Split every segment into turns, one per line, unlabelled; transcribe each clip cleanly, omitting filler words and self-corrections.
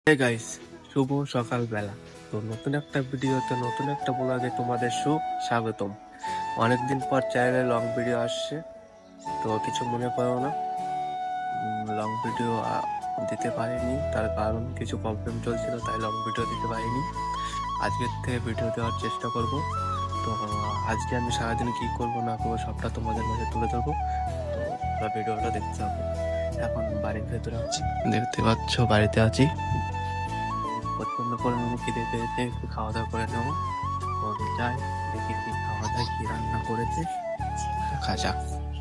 Hey guys, শুভ সকালবেলা। তো নতুন একটা ভিডিওতে নতুন একটা ব্লগে তোমাদের সুস্বাগতম। অনেকদিন পর চ্যানেলে লং ভিডিও আসছে, তো কিছু মনে করো না। লং ভিডিও দিতে পারিনি, তার কারণ কিছু প্রবলেম চলছিল, তাই লং ভিডিও দিতে পারিনি। আজকের থেকে ভিডিও দেওয়ার চেষ্টা করব। তো আজকে আমি সারাদিন কি করব না করবো সবটা তোমাদের মাঝে তুলে ধরবো। তো তোমরা ভিডিওটা দেখতে হবে। এখন বাড়ির ভেতরে আছি, দেখতে পাচ্ছ বাড়িতে আছি। প্রচন্ড পরিমাণে খিদে পেয়েছে, একটু খাওয়া দাওয়া করে নেবো। তো যাই দেখি কি খাওয়া দাওয়া কি রান্না করেছে, দেখা যাক।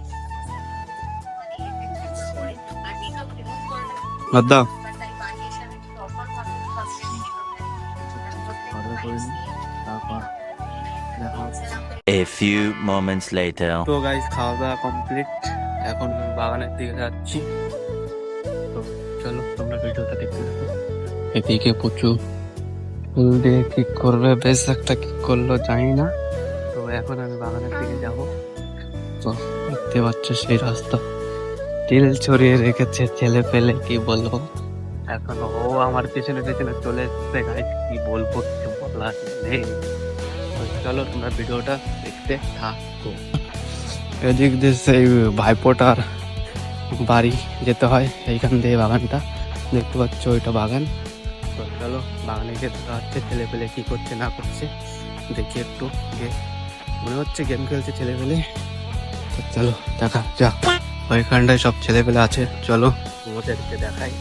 দাদা অর্ডার করিনি, তারপর দেখা হচ্ছে।
A few moments later.
তো গাইস, খাওয়া দাওয়া কমপ্লিট, এখন বাগানের দিকে যাচ্ছি। তো চলো তোমরা ভিডিওটা দেখতে থাকো। এদিকে প্রচুর ফুল দিয়ে কি করবে, বেশ একটা কি করলো জানি না। তো এখন আমি বাগানের দিকে যাব। তো দেখতে পাচ্ছ সেই রাস্তা টিল ছড়িয়ে রেখেছে, ছেলে পেলে কি বলবো। এখন ও আমার পেছনে পেছনে চলে এসছে গাইস, কি বলবো কিছু বলার নেই। তো চলো তোমরা ভিডিওটা দেখতে থাকো। এদিক দিয়ে সেই ভাইপোটার বাড়ি যেতে হয়, এইখান দিয়ে বাগানটা দেখতে পাচ্ছ, ওইটা বাগান। তো চলো বাগানে গিয়ে দেখা হচ্ছে, ছেলে পেলে কি করছে না করছে দেখি একটু। মনে হচ্ছে গেম খেলছে ছেলে পেলে। তো চলো দেখা যাক, ওইখানটায় সব ছেলে পেলে আছে, চলো ওদেরকে দেখাই।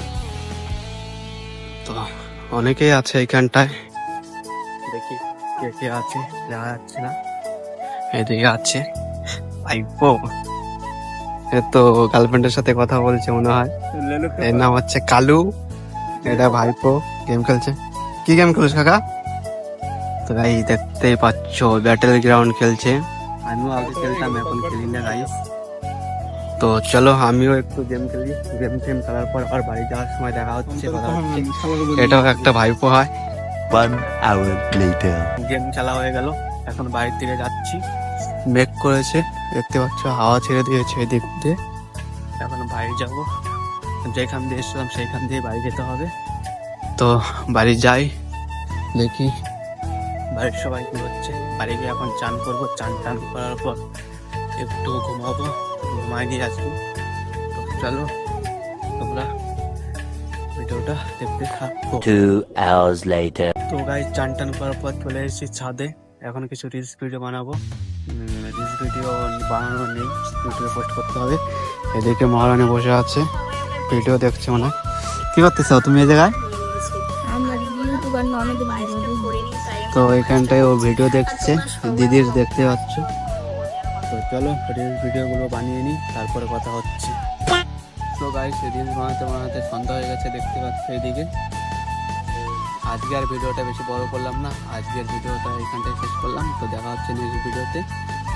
তো অনেকেই আছে এইখানটায়, দেখি কে কে আছে, দেখা যাচ্ছে না। এদিকে আছে ভাইপো, এ তো গার্লফ্রেন্ডের সাথে কথা বলছে মনে হয়। এর নাম হচ্ছে কালু, এটা ভাইপো গেম খেলছে। কি গেম খেলিস কাকা? তো গাই দেখতেই পাচ্ছ ব্যাটেল গ্রাউন্ড খেলছে। আমিও আগে খেলতাম, এখন খেলি না গাইস। তো চলো আমিও একটু গেম খেলি, গেম খেলার পর আর বাড়ি যাওয়ার সময় দেখা হচ্ছে, কথা হচ্ছে। এটাও একটা ভাইপো হয়।
1 hour later.
গেম খেলা হয়ে গেল, এখন বাড়ির দিকে যাচ্ছি। মেঘ করেছে দেখতে পাচ্ছ, হাওয়া ছেড়ে দিয়েছে এদিক দিয়ে। এখন বাড়ি যাব, যেখান দিয়ে এসেছিলাম সেইখান দিয়ে বাড়ি যেতে হবে। তো বাড়ি যাই, দেখি বাড়ির সবাই কি হচ্ছে। বাড়ি গিয়ে এখন চান করবো, চান টান করার পর একটু ঘুমাবো, ঘুমাই নিয়ে আসবো। তো চলো তোমরা ভিডিওটা দেখতে থাকো।
2 hours later.
তো গাইস, চান টান করার পর চলে এসেছি ছাদে, এখন কিছু রিলস ভিডিও বানাবো। রিলস ভিডিও বানানো নেই, ইউটিউবে পোস্ট করতে হবে। এদিকে মহারানী বসে আছে, ভিডিও দেখছে মনে হয়। কি করতেছো তুমি এই জায়গায়? তো এখানটায় ও ভিডিও দেখছে, দিদির দেখতে পাচ্ছ। তো চলো রিলস ভিডিওগুলো বানিয়ে নিই, তারপরে কথা হচ্ছে। তো গাইস, রিলস বানাতে বানাতে সন্ধ্যা হয়ে গেছে, দেখতে পাচ্ছ এদিকে। আজকে আর ভিডিওটা বেশি বড় করলাম না, আজকের ভিডিওটা এখানটায় শেষ করলাম। তো দেখা হচ্ছে নেক্সট ভিডিওতে।